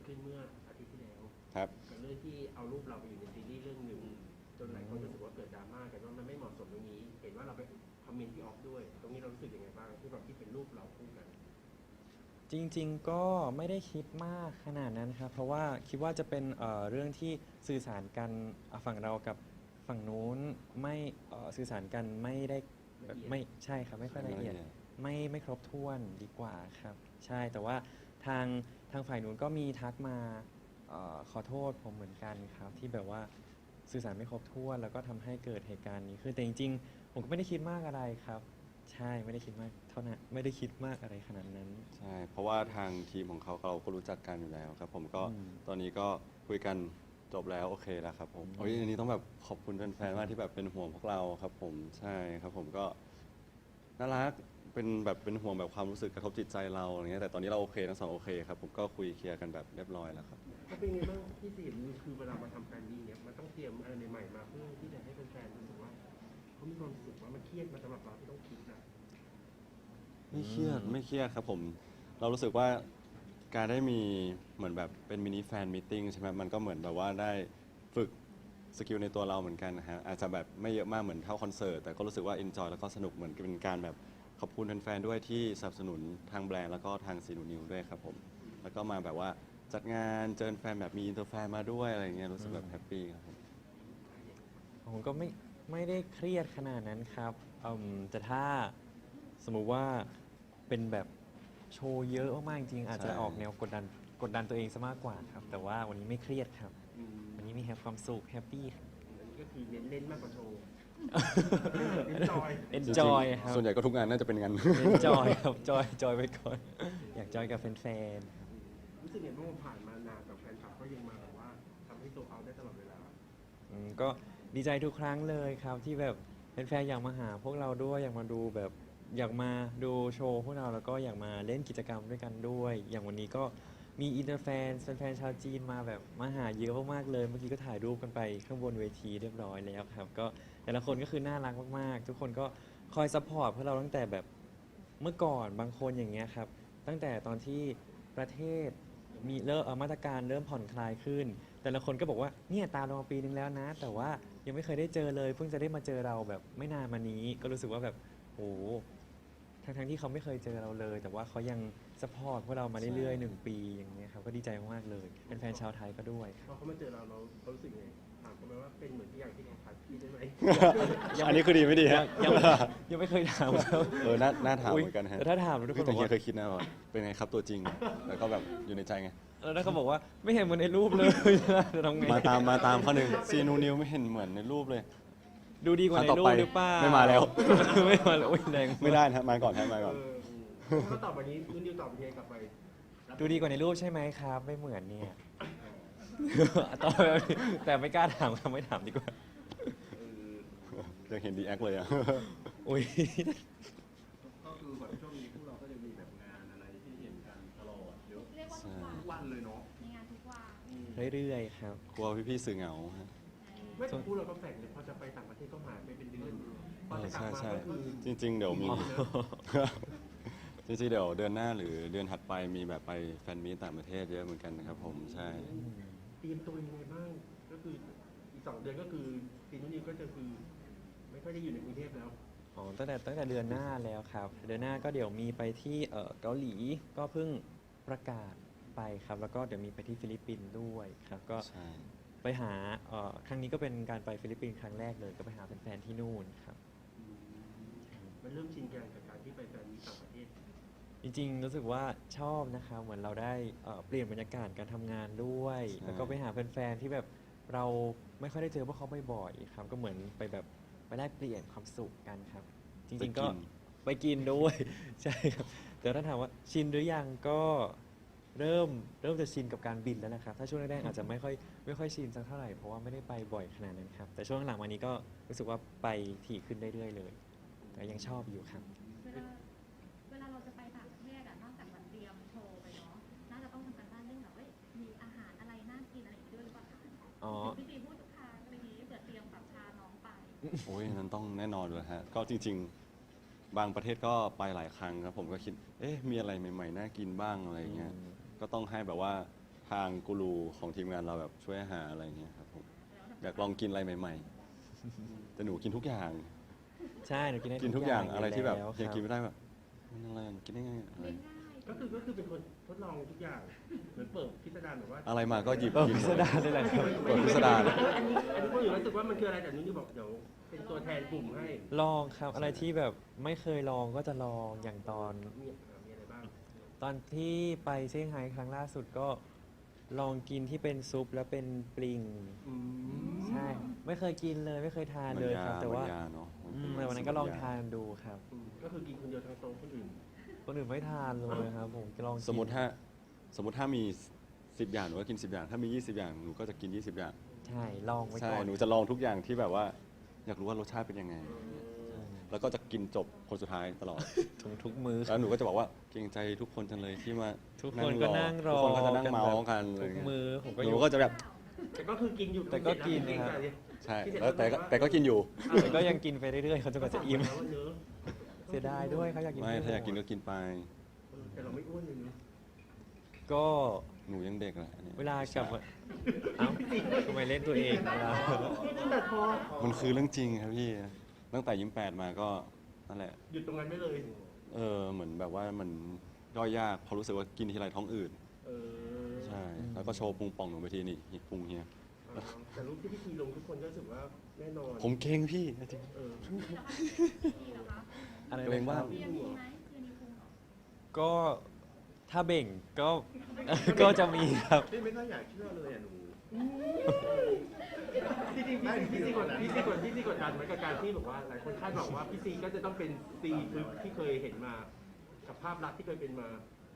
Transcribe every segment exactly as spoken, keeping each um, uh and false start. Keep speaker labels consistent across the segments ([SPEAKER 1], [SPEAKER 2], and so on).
[SPEAKER 1] ขึ้นเมื่ออาทิตย์ที่แล้ว
[SPEAKER 2] ครับ
[SPEAKER 1] กับเรื่องที่เอารูปเราไปอยู่ในซีรีส์เรื่องหนึ่งจนหลายคนรู้สึกว่าเกิดดราม่ากันว่ามันไม่เหมาะสมตรงนี้ เห็นว่าเราไปคอมเมนต์ที่ออฟด้วย ตรงนี้เรารู้สึกยังไงบ้างที่แบบที่เป็นรูปเราคู่กัน
[SPEAKER 3] จริงๆก็ไม่ได้คิดมากขนาดนั้นครับเพราะว่าคิดว่าจะเป็นเอ่อเรื่องที่สื่อสารกันอ่ะฝั่งเรากับฝั่งนู้นไม่เอ่อสื่อสารกันไม่ได้แบบ
[SPEAKER 1] ละเอียด
[SPEAKER 3] ไม่ใช่ครับไม่ค่อยละเอียด
[SPEAKER 2] ไม่ละเอียด
[SPEAKER 3] ไม่ไม่ครบถ้วนดีกว่าครับ ใช่แต่ว่าทางทางฝ่ายนู้นก็มีทักมาเอ่อขอโทษผมเหมือนกันครับที่แบบว่าสื่อสารไม่ครบถ้วนแล้วก็ทำให้เกิดเหตุการณ์นี้ขึ้นแต่จริงๆผมก็ไม่ได้คิดมากอะไรครับ ใช่ไม่ได้คิดมากเท่านั้นไม่ได้คิดมากอะไรขนาดนั้น
[SPEAKER 2] ใช่ เพราะว่าทางทีมของเขาเราก็รู้จักกันอยู่แล้วครับผมก็
[SPEAKER 3] อืม
[SPEAKER 2] ตอนนี้ก็คุยกันจบแล้วโอเคแล้วครับผมโอ้ยอันนี้ต้องแบบขอบคุณแฟนๆมากที่แบบเป็นห่วงพวกเราครับผมใช่ครับผมก็น่ารักเป็นแบบเป็นห่วงแบบความรู้สึกกระทบจิตใจเราอย่างเงี้ยแต่ตอนนี้เราโอเคทั้งสองโอเคครับผมก็คุยเคลียร์กันแบบเรียบร้อยแล้วครับ
[SPEAKER 1] ก็เป็นไงบ้างที่สี่คือเวลามาทำแฟนดีเนี่ยมันต้องเตรียมอะไรใหม่ๆมาเพื่อที่จะให้แฟนๆรู้สึกว่าเขามีความสุขว่ามันเครียดมาสำหรับเราที่ต้องคิดนะ
[SPEAKER 2] ไม่เครียดไม่เครียดครับผมเรารู้สึกว่าการได้มีเหมือนแบบเป็นมินิแฟนมิทติ้งใช่ไหมมันก็เหมือนแบบว่าได้ฝึกสกิลในตัวเราเหมือนกันนะฮะอาจจะแบบไม่เยอะมากเหมือนเท่าคอนเสิร์ตแต่ก็รู้สึกว่าเอนจอยแล้วก็สนุกเหมือนเป็นการแบบขอบคุณแฟนๆด้วยที่สนับสนุนทางแบรนด์แล้วก็ทางซีนูนิวด้วยครับผมแล้วก็มาแบบว่าจัดงานเจอแฟนแบบมีอินเตอร์แฟนมาด้วยอะไรเงี้ยรู้สึกแบบแฮปปี้ครับผม
[SPEAKER 3] ผมก็ไม่ไม่ได้เครียดขนาดนั้นครับอืมแต่ถ้าสมมุติว่าเป็นแบบโชว์เยอะมากๆจริงๆอาจจะ
[SPEAKER 2] ใช่
[SPEAKER 3] ออกแนวกดดันกดดันตัวเองซะมากกว่าครับ แต่ว่าวันนี้ไม่เครียดครับ
[SPEAKER 1] อืม
[SPEAKER 3] วันนี้มีแฮปความสุขแฮปปี้ครับ
[SPEAKER 1] อันนี้ก็คือเน้นเล่นมากกว่าโชว์ เน้นจอย
[SPEAKER 3] enjoy ครับ
[SPEAKER 2] ส่วนใหญ่ก็ทุกงานน่าจะเป็นงาน
[SPEAKER 3] enjoy ครับจอยจอยไปก่อน อยากจอยกับแฟนๆครับ
[SPEAKER 1] รู้สึกไงบ้างว่าผ่านมานานกับแฟนคลับก็ยังมาแบบว่าทำให้โซเอาได้ตลอดเวลา
[SPEAKER 3] อืมก็ดีใจทุกครั้งเลยครับที่แบบแฟนๆอยากมาหาพวกเราด้วยอยากมาดูแบบอยากมาดูโชว์พวกเราแล้วก็อยากมาเล่นกิจกรรมด้วยกันด้วย อย่างวันนี้ก็มีอินเตอร์แฟนแฟนๆชาวจีนมาแบบมาหาเยอะมากๆเลยเมื่อกี้ก็ถ่ายรูปกันไปข้างบนเวทีเรียบร้อยแล้วครับก็แต่ละคนก็คือน่ารักมากๆ ทุกคนก็คอยซัพพอร์ตพวกเราตั้งแต่แบบเมื่อก่อนบางคนอย่างเงี้ยครับตั้งแต่ตอนที่ประเทศมีเริ่มเอ่อมาตรการเริ่มผ่อนคลายขึ้น แต่ละคนก็บอกว่าเนี่ยตามเรามาปีนึงแล้วนะ แต่ว่ายังไม่เคยได้เจอเลย เพิ่งจะได้มาเจอเราแบบไม่นานมานี้ ก็รู้สึกว่าแบบโอ้ทั้งทั้งๆที่เขาไม่เคยเจอเราเลย แต่ว่าเขายังสปอร์ตพวกเรามาเรื่อยๆหนึ่งปีอย่างเงี้ยครับก็ดีใจมากๆเลยเป็นแฟนชาวไทยก็ด้วยค
[SPEAKER 1] พ
[SPEAKER 3] รับ
[SPEAKER 1] อเขามาเจอเราเราเรารู้สึกไงถามเขาไหมว่าเป็นเหมือนที่อย่างที่เขาทักพี่ได้ไหม
[SPEAKER 2] อันนี้คือดีไม่ดีฮะ
[SPEAKER 3] ยังยังไม่เคยถามเขา
[SPEAKER 2] เออน่าน่าถามเหมือนกันฮะ
[SPEAKER 3] แต่ถ้าถามแล้วทุกค
[SPEAKER 2] เฮ้ย
[SPEAKER 3] น
[SPEAKER 2] แต่
[SPEAKER 3] บอก
[SPEAKER 2] เฮีย
[SPEAKER 3] ว่า
[SPEAKER 2] เคยคิดนะว่าเป็นไงครับตัวจริง แล้วก็แบบอยู่ในใจไง
[SPEAKER 3] แล้วถ้าเขาบอกว่าไม่เห็นเหมือนในรูปเลย จะทำไง
[SPEAKER 2] มาตามมาตามข้อหนึ่งซีนูนิวไม่เห็นเหมือนในรูปเลย
[SPEAKER 3] ดูดีกว่าใน
[SPEAKER 2] ครั้งต่อ
[SPEAKER 3] รู
[SPEAKER 2] ไป
[SPEAKER 3] ปหรือเปล่า
[SPEAKER 2] ไม่มาแล้ว
[SPEAKER 3] ไม่มาแล้วโอ้ยแรง
[SPEAKER 2] ไม่ได้นะมาก่อนฮะมาก่อน
[SPEAKER 1] เออถ้าตอบวันนี้นุ่นนิวตอบยังไงกลับไป
[SPEAKER 3] ดูดีกว่าในรูปใช่ไหมครับ ไม่เหมือนเนี่ย ตอบแบบนี้แต่ไม่กล้าถามครับไม่ถามดีกว่า
[SPEAKER 1] เออ
[SPEAKER 2] ยังเห็นดีแอคเลยอ่ะ
[SPEAKER 3] อุ้ย
[SPEAKER 1] ก็คือแบบช่วงนี้พวกเราก็จะมีแบบงานอะไรที่เห็นกันตลอดเยอะ
[SPEAKER 4] เรียกว่าทุกวัน
[SPEAKER 1] ทุกวันเลยเนาะ
[SPEAKER 4] มีงานทุกวัน
[SPEAKER 1] อืม
[SPEAKER 3] เรื่อยๆครับ
[SPEAKER 2] กลัวพี่ๆสื่อเหงาฮะ
[SPEAKER 1] ไม่แต่พูดเราก็แปลกเลยพอจะไปต่างประเทศก็หายไปเป็นเดือนพอ
[SPEAKER 2] เออ
[SPEAKER 1] จะกลับ
[SPEAKER 2] ใช่
[SPEAKER 1] มา
[SPEAKER 2] ใช่
[SPEAKER 1] ก็คือ
[SPEAKER 2] จริง ๆ เดี๋ยวมี
[SPEAKER 1] อ๋อ
[SPEAKER 2] จริงๆเดี๋ยวเดือนหน้าหรือเดือนถัดไปมีแบบไปแฟนมีตต่างประเทศเยอะเหมือนกันนะครับผมใช่
[SPEAKER 1] เตรียมตัวยังไงบ้าง ก็คืออีกสองเดือนก็คือซีนุ่นนิวก็จะคือ ไม่ค่อยได้อยู่ในกรุงเทพแล้ว
[SPEAKER 3] อ๋อตั้งแต่ตั้งแต่เดือนหน้าแล้วครับ เดือนหน้าก็เดี๋ยวมีไปที่เอ่อเกาหลีก็เพิ่งประกาศไปครับ แล้วก็เดี๋ยวมีไปที่ฟิลิปปินส์ด้วยครับ ก็
[SPEAKER 2] ใช่
[SPEAKER 3] ไปหาเอ่อครั้งนี้ก็เป็นการไปฟิลิปปินส์ครั้งแรกเลย ก็ไปหาแฟนๆที่นู่นครับ
[SPEAKER 1] มันเริ่มชินกันกับการที่ไปแฟนมีต่างประเทศ
[SPEAKER 3] จริงๆ รู้สึกว่าชอบนะครับ เหมือนเราได้เอ่อเปลี่ยนบรรยากาศการทำงานด้วย
[SPEAKER 2] ใช่
[SPEAKER 3] แล้วก็ไปหาแฟนๆ ที่แบบเราไม่ค่อยได้เจอพวกเขาบ่อยๆ ครับ ก็เหมือนไปแบบไปแลกเปลี่ยนความสุขกันครับ จริงๆ ก็
[SPEAKER 2] ไปน
[SPEAKER 3] ไปกินด้วย ใช่ครับ แต่ถ้าถามว่าชินหรือยังก็เริ่มเริ่มจะชินกับการบินแล้วนะครับ ถ้าช่วงแรกๆอาจจะไม่ค่อยไม่ค่อยชินสักเท่าไหร่ เพราะว่าไม่ได้ไปบ่อยขนาดนั้นครับ แต่ช่วงหลังมานี้ก็รู้สึกว่าไปถี่ขึ้นเรื่อยๆ เลย แต่ยังชอบอยู่ครับ
[SPEAKER 4] เวลาเวลาเราจะไปต่างประเทศอะนอกจากวันเตรียมโชว์ไปเนาะ น่าจะต้องทำการบ้านเรื่องแบบว่ามีอาหารอะไรน่ากินอะไรอย่างนี้ด้วยหรือเปล่าคะ
[SPEAKER 3] อ๋อ
[SPEAKER 4] พี่ตีพูดทุกครั้งอะไรอย่างนี้เผื่อเตรียมแบบพาน้องไป
[SPEAKER 2] โอ้ยนั้นต้องแน่นอนเลยฮะ ก็จริง ๆ บางประเทศก็ไปหลายครั้งครับผมก็คิด เอ๊ะ มีอะไรใหม่ๆ น่ากินบ้างอะไรอย่างเงี้ย ก็ต้องให้แบบว่าททางกูรูของทีมงานเราแบบช่วยหาอะไรอย่างเงี้ยครับผมอยากลองกินอะไรใหม่ๆแต่หนูกินทุกอย่าง
[SPEAKER 3] ใช่หนูกินได้
[SPEAKER 2] กินทุกอย่างอะไรที่แบบ
[SPEAKER 3] ล้ว
[SPEAKER 2] เฮีย
[SPEAKER 3] ครับ
[SPEAKER 2] กินไม่ได้แบบมันอะไรอะกินได้ไงอะไร
[SPEAKER 4] เลี้ยงง่าย
[SPEAKER 1] ก็คือก็คือเป็นคนทดลองทุกอย่างเหมือนเปิดพิสดารแบบว่า
[SPEAKER 2] อะไรมาก็หยิบ
[SPEAKER 3] เออ
[SPEAKER 2] กิน
[SPEAKER 3] พิสดารเลยแหละครับ
[SPEAKER 2] เปิดพิสดาร
[SPEAKER 1] อันนี้อันนี้คนอื่นรู้สึกว่ามันคืออะไรแต่นุ่นจะบอกเดี๋ยวเป็นตัวแทนกลุ่มให้
[SPEAKER 3] ลองครับอะไรที่แบบไม่เคยลองก็จะลองอย่างตอน
[SPEAKER 1] มีอ่ะมีอะไรบ้าง
[SPEAKER 3] ตอนที่ไปเซี่ยงไฮ้ครั้งล่าสุดก็ลองกินที่เป็นซุปแล้วเป็นปลิง
[SPEAKER 1] อืม
[SPEAKER 3] ใช่ ไม่เคยกินเลยไม่เคยทาน
[SPEAKER 2] มัน
[SPEAKER 3] เลย
[SPEAKER 2] ยา
[SPEAKER 3] ครับ แต่
[SPEAKER 2] มัน
[SPEAKER 3] ว่าย
[SPEAKER 2] าเนาะ
[SPEAKER 3] อืมแต่วันนั้นก็ลองทานดูครับ
[SPEAKER 1] อืมก็คือกินคนเดียวทั้งโต๊ะคนอื่น
[SPEAKER 3] คนอื่นไม่ทานเลยครับผมลองกิน
[SPEAKER 2] สมมติถ้าสมมติถ้ามีสิบอย่างหนูก็กินสิบอย่าง ถ้ามียี่สิบอย่างหนูก็จะกินยี่สิบอย่าง
[SPEAKER 3] ใช่ลองไว้
[SPEAKER 2] ใช่
[SPEAKER 3] ก่อน
[SPEAKER 2] หนูจะลองทุกอย่างที่แบบว่า อยากรู้ว่ารสชาติเป็นยังไง แล้วก็จะกินจบคนสุดท้ายตลอด
[SPEAKER 3] ทุกทุกมื้อ
[SPEAKER 2] แล้วหนูก็จะบอกว่าเกรงใจทุกคนจังเลยที่มา
[SPEAKER 3] ทุกคนก็นั่งรอ
[SPEAKER 2] ทุกคนก็จะนั่งเมาส์กันอะไร
[SPEAKER 3] ทุก
[SPEAKER 2] เงี้ย
[SPEAKER 3] มื้อผมก็
[SPEAKER 2] ห
[SPEAKER 3] อ
[SPEAKER 2] นู
[SPEAKER 3] ยู่
[SPEAKER 2] ก็จะแบบ
[SPEAKER 1] แต่ก็คือกินอยู่
[SPEAKER 3] แต่ก็กินนะครับ
[SPEAKER 2] ใช่ แล้วแต่ก็แต่ก็กินอยู่
[SPEAKER 3] แต่ก็ยังกินไปเรื่อยๆเขาจนกว่าจะอิ่ม
[SPEAKER 1] เนื้อ
[SPEAKER 3] เสียดายด้วยเขาอยากกิน
[SPEAKER 2] ไม่
[SPEAKER 3] ให้
[SPEAKER 2] ถ้าอยากกิน
[SPEAKER 3] หม
[SPEAKER 2] ก็
[SPEAKER 3] ด
[SPEAKER 2] กินไป
[SPEAKER 1] แต่เราไม่อ้วนเลยเนาะ
[SPEAKER 3] ก็
[SPEAKER 2] หนูยังเด็กแหละอันนี้
[SPEAKER 3] เวลากลับมาเอ้าทำไมเล่นตัวเองเวลา
[SPEAKER 1] แต่พอ
[SPEAKER 2] มันคือเรื่องจริงครับพี่ ตั้งแต่ยิ้มแปดมาก็นั่นแหละ
[SPEAKER 1] หยุดตรงนั้นไม่เลย
[SPEAKER 2] เออเหมือนแบบว่ามันย่อยยากเพราะรู้สึกว่ากินทีไรท้องอืด
[SPEAKER 1] เออ
[SPEAKER 2] ใช่ แล้วก็โชว์พุงป่องหนูไปทีนี่นี่พุงเฮีย
[SPEAKER 1] แต่รูปที่พี่ทีลงทุกคนก็รู้สึกว่าแน่นอน
[SPEAKER 2] ผมเก่งพี่จริง
[SPEAKER 1] เออ
[SPEAKER 4] มีเหรอคะ
[SPEAKER 3] อะไร
[SPEAKER 2] เกรง
[SPEAKER 3] นะค
[SPEAKER 2] ว่า
[SPEAKER 3] รับ
[SPEAKER 4] เรียนมีไหมเรียนมีพุงเหรอ
[SPEAKER 3] ก็ถ้าเบ่งก็ ก็จะมีครับ
[SPEAKER 5] พี่ไม่ค่อยอยากเชื่อเลยอ่ะหนู
[SPEAKER 1] พี่ซีพี่ซีกดพี่ซีกดพี่ซีกดดันเหมือนกับการที่บอกว่าหลายคนคาดหวังว่าพี่ซีก็จะต้องเป็นซีทึบที่เคยเห็นมากับภาพลักษณ์ที่เคยเป็นมา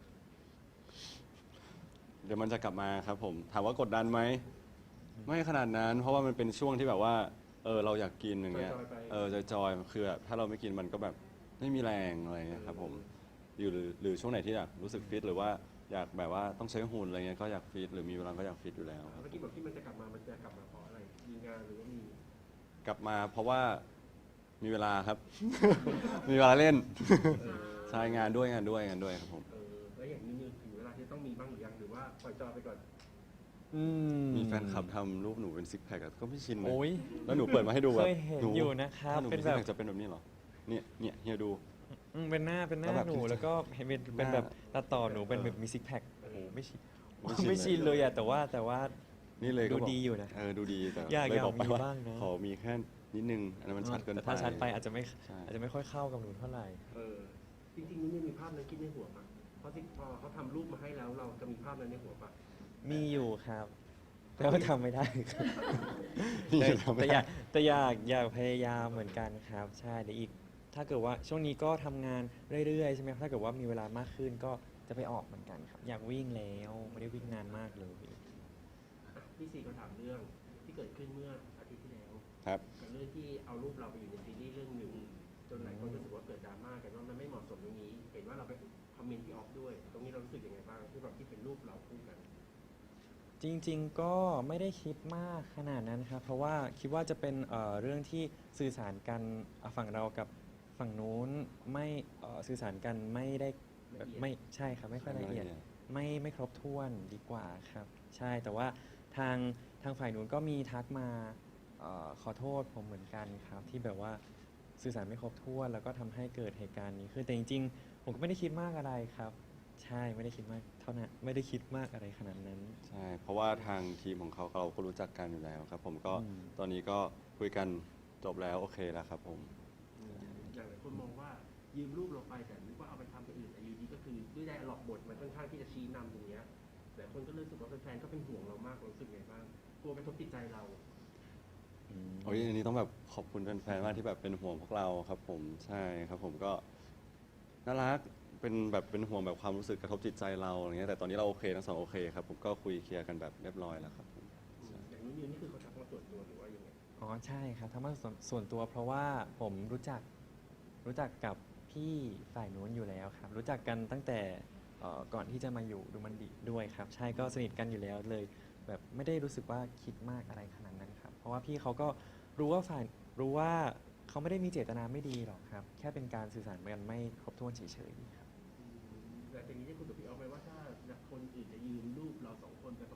[SPEAKER 2] เดี๋ยวมันจะกลับมาครับผม ถามว่ากดดันไหม ไม่ขนาดนั้น เพราะว่ามันเป็นช่วงที่แบบว่า เออเราอยากกินอย่างเงี้ย
[SPEAKER 1] จอยๆไป
[SPEAKER 2] เออจอยๆคือแบบถ้าเราไม่กินมันก็แบบไม่มีแรงอะไรเงี้ยครับผมอยู่หรือหรือช่วงไหนที่อยากรู้สึกฟิตหรือว่าอยากแบบว่าต้องใช้หุ่นอะไรเงี้ยก็อยากฟิตหรือมีเวลาก็อยากฟิตอยู่แล้วครับ
[SPEAKER 1] เมื่อกี้บอกที่มันจะกลับมา มันจะกลับมาเพราะอะไร มีงานหรือว่ามี
[SPEAKER 2] กลับมาเพราะว่ามีเวลาครับ มีเวลาเล่น
[SPEAKER 1] เออ
[SPEAKER 2] ใช่งานด้วยงานด้วยงานด้วยครับผม
[SPEAKER 1] เออแล้วอย่างนี้ถึงเวลาที่ต้องมีบ้างหรือยังหรือว่าปล่อยจอยไปก่อน
[SPEAKER 3] อืม
[SPEAKER 2] มีแฟนคลับทำรูปหนูเป็นซิกแพคอะก็ไม่ชินนะ
[SPEAKER 3] โอ้ย
[SPEAKER 2] แล้วหนูเปิดมาให้ดูแบบ
[SPEAKER 3] เคยเห็น
[SPEAKER 2] หนู
[SPEAKER 3] อยู่นะครับ
[SPEAKER 2] ถ้าหนู
[SPEAKER 3] เป็
[SPEAKER 2] เป็น
[SPEAKER 3] น
[SPEAKER 2] ซิก
[SPEAKER 3] แบบ
[SPEAKER 2] แพคจะเป็นแบบนี้เหรอเนี่ยเนี่ยเฮียดู
[SPEAKER 3] อืมเป็นหน้าเป็นหน้า
[SPEAKER 2] แล้วแบบ
[SPEAKER 3] หนูแล้วก็เห็นเป็นเป็น
[SPEAKER 2] หน้า
[SPEAKER 3] แบบตัดต่อหนูเป็นแบบมีซิกแพคโอ้โหไม่ชิน
[SPEAKER 2] ไม่ชิน
[SPEAKER 3] ไม่ชินเลยอะแต่ว่าแต่ว่า
[SPEAKER 2] นี่เลยก็
[SPEAKER 3] ดู
[SPEAKER 2] บอก
[SPEAKER 3] ดีอยู่นะ
[SPEAKER 2] เออดูดีแต่
[SPEAKER 3] อยาก
[SPEAKER 2] เลย
[SPEAKER 3] อยาก
[SPEAKER 2] บอกไป
[SPEAKER 3] มี
[SPEAKER 2] ว่า
[SPEAKER 3] บ้างนะ
[SPEAKER 2] ขอมีแค่นิดนึงอันนั้นมันชัดเกินไป
[SPEAKER 3] แต่ถ้าชัดไปอาจจะไม่
[SPEAKER 2] ใช่
[SPEAKER 3] อาจจะไม่ค่อยเข้ากับหนูเท่าไหร่
[SPEAKER 1] เออ จริงๆนี่มีภาพนั้นคิดในหัวปะเพราะที่พอเขาทำรูปมาให้แล้วเราจะมีภาพนั้นในหัวปะ
[SPEAKER 3] มีอยู่ครับ แต่ว่าทำไม่ได้ครับ
[SPEAKER 2] นี่
[SPEAKER 3] แต่
[SPEAKER 2] ทำไม่
[SPEAKER 3] แต่อ
[SPEAKER 2] ได้
[SPEAKER 3] ยากแต่อยากอยากพยายามเหมือนกันครับ ใช่เดี๋ยวอีก ถ้าเกิดว่าช่วงนี้ก็ทำงานเรื่อยๆใช่ไหมครับถ้าเกิดว่ามีเวลามากขึ้นก็จะไปออกเหมือนกันครับ อยากวิ่งแล้วไม่ได้วิ่งนานมากเลย
[SPEAKER 1] อ่ะพี่ซีเขาถามเรื่องที่เกิดขึ้นเมื่ออาทิตย์ที่แล้ว
[SPEAKER 2] ครับ
[SPEAKER 1] กับเรื่องที่เอารูปเราไปอยู่ในซีรีส์เรื่องหนึ่งจนหลายคนรู้สึกว่าเกิดดราม่ากันว่ามันไม่เหมาะสมตรงนี้ เห็นว่าเราไปคอมเมนต์ที่ออฟด้วย ตรงนี้เรารู้สึกยังไงบ้างที่แบบที่เป็นรูปเราคู่กัน
[SPEAKER 3] จริงๆ ก็ไม่ได้คิดมากขนาดนั้นครับ เพราะว่าคิดว่าจะเป็นเอ่อเรื่องที่สื่อสารกันอ่ะฝั่งเรากับฝั่งนู้นไม่เอ่อสื่อสารกันไม่ได้แบบไม่ใช่ครับไม่ค่อยละเอียด ไม่ไม่ครบถ้วนดีกว่าครับ ใช่แต่ว่าทางทางฝ่ายนู้นก็มีทักมาเออขอโทษผมเหมือนกันครับ ที่แบบว่าสื่อสารไม่ครบถ้วน แล้วก็ทำให้เกิดเหตุการณ์นี้ขึ้นแต่จริงๆ ผมก็ไม่ได้คิดมากอะไรครับ ใช่ไม่ได้คิดมากเท่านั้นไม่ได้คิดมากอะไรขนาดนั้น
[SPEAKER 2] ใช่ เพราะว่าทางทีมของเขาเราก็รู้จักกันอยู่แล้วครับ ผมก็
[SPEAKER 3] อืม
[SPEAKER 2] ตอนนี้ก็คุยกันจบแล้วโอเคแล้วครับผม
[SPEAKER 1] อย่างหลายคนมองว่ายืมรูปเราไปแต่นึกว่าเอาไปทำเป็นอื่นแต่อยูดีก็คือด้วยได้หลอกบทมันค่อนข้างที่จะชี้นำตรงเนี้ยแต่คนก็รู้สึกว่าแฟนๆก็เป็นห่วงเรามากเรารู้สึกไงบ้างกลัวกระทบจิตใจเรา
[SPEAKER 3] อืม
[SPEAKER 2] โอ้ยอันนี้ต้องแบบขอบคุณแฟนๆมากที่แบบเป็นห่วงพวกเราครับผมใช่ครับผมก็น่ารักเป็นแบบเป็นห่วงแบบความรู้สึกกระทบจิตใจเราอะไรเงี้ยแต่ตอนนี้เราโอเคทั้งสองโอเคครับผมก็คุยเคลียร์กันแบบเรียบร้อยแล้วครับผม
[SPEAKER 1] อย่างนี้นี่คือเขาทักมาตรวจตัวหรือว่ายังไง
[SPEAKER 3] อ๋อใช่ครับทำมาส่วนส่วนตัวเพราะว่าผมรู้จักรู้จักกับพี่ฝ่ายนู้นอยู่แล้วครับ รู้จักกันตั้งแต่เอ่อก่อนที่จะมาอยู่ดูมันดีด้วยครับ ใช่ก็สนิทกันอยู่แล้วเลย แบบไม่ได้รู้สึกว่าคิดมากอะไรขนาดนั้นครับ เพราะว่าพี่เขาก็รู้ว่าฝ่ายรู้ว่าเขาไม่ได้มีเจตนาไม่ดีหรอกครับ แค่เป็นการสื่อสารกันไม่ครบถ้วนเฉยๆครับ
[SPEAKER 1] แต่ทีนี้ได้คุยกับพี่ออฟไหมว่าถ้าคนอื่นจะยืมรูปเราสองคนไป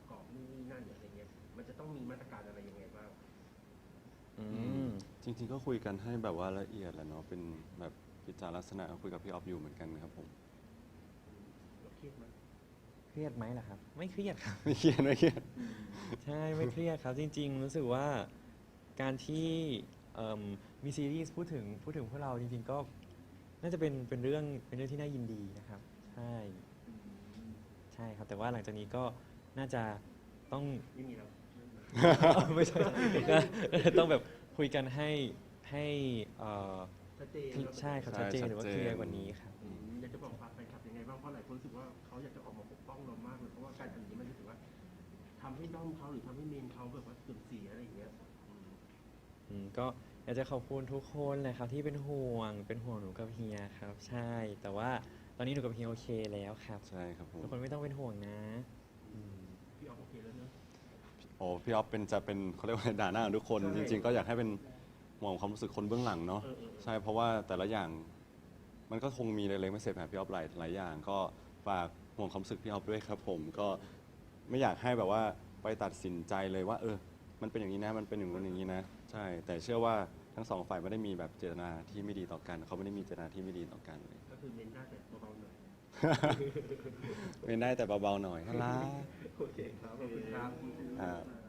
[SPEAKER 2] จริง ๆ ก็คุยกันให้แบบว่าละเอียดแหละเนาะเป็นแบบกิจจาลักษณะคุยกับพี่ออฟอยู่เหมือนกันครับผม
[SPEAKER 1] เราเครียดไหม
[SPEAKER 3] เครียดไหมล่ะครับ ไม่เครียดครับ
[SPEAKER 2] ไม่เครียดไม่เครียด
[SPEAKER 3] ใช่ไม่เครียดครับ จริง ๆ รู้สึกว่าการที่เอิ่มมีซีรีส์พูดถึงพูดถึงพวกเราจริง ๆ ก็น่าจะเป็นเป็นเรื่องเป็นเรื่องที่น่ายินดีนะครับ ใช่ใช่ครับ แต่ว่าหลังจากนี้ก็น่าจะต้อง
[SPEAKER 1] ไม่มีแล้ว
[SPEAKER 3] ไม่ใช่ก็ต้องแบบคุยกันให้ให้เอ่อ
[SPEAKER 1] ชัดเจน
[SPEAKER 3] ใช่ครับ
[SPEAKER 2] ใช่
[SPEAKER 3] ชัดเจนหรือว่า
[SPEAKER 2] ชัด
[SPEAKER 3] เค
[SPEAKER 2] เจน
[SPEAKER 3] ลียร์กว่านี้ครับ
[SPEAKER 1] อืมอยากจะบอกฝากแฟนคลับยังไงบ้างเพราะหลายคนรู้สึกว่าเขาอยากจะออกมาปกป้องเรามากเลยเพราะว่าการทำอย่างนี้มันรู้สึกว่าทำให้ด้อมเขาหรือทำให้เมนเขาแบบว่าเสื่อมเสียอะไรอย่างเงี้ยอืม
[SPEAKER 3] อืมก็อยากจะขอบคุณทุกคนเลยครับที่เป็นห่วงเป็นห่วงหนูกับเฮียครับ ใช่ แต่ว่าตอนนี้หนูกับเฮียโอเคแล้วครับ
[SPEAKER 2] ใช่ครับผม
[SPEAKER 3] ทุกคนไม่ต้องเป็นห่วงนะอืม
[SPEAKER 1] พี่ออกโอเคแล้วเนอะ
[SPEAKER 2] โอ้พี่ออฟเป็นจะเป็นเขาเรียกว่าด่าหน้าของทุกคน
[SPEAKER 1] ใช่
[SPEAKER 2] จริง ๆ ก็อยากให้เป็นห่วงความรู้สึกคนเบื้องหลังเนาะ
[SPEAKER 1] เออเออเออ
[SPEAKER 2] ใช่เพราะว่าแต่ละอย่างมันก็คงมีเล็กๆไม่เสร็จแบบพี่ออฟหลายหลายอย่าง ก็ฝากห่วงความรู้สึกพี่ออฟด้วยครับผมก็ไม่อยากให้แบบว่าไปตัดสินใจเลยว่า เออ มันเป็นอย่างนี้นะมันเป็นอย่างนู้นอย่างนี้นะ ใช่ แต่เชื่อว่าทั้งสองฝ่ายไม่ได้มีแบบเจตนาที่ไม่ดีต่อกันเขาไม่ได้มีเจตนาที่ไม่ดีต่อกันเลย
[SPEAKER 1] ก็คือเมนได้แต่เบาๆหน่อย
[SPEAKER 2] เป็นได้แต่เบาๆหน่อยน่ารัก
[SPEAKER 1] โอเคครับขอบคุณครับ
[SPEAKER 2] ครับ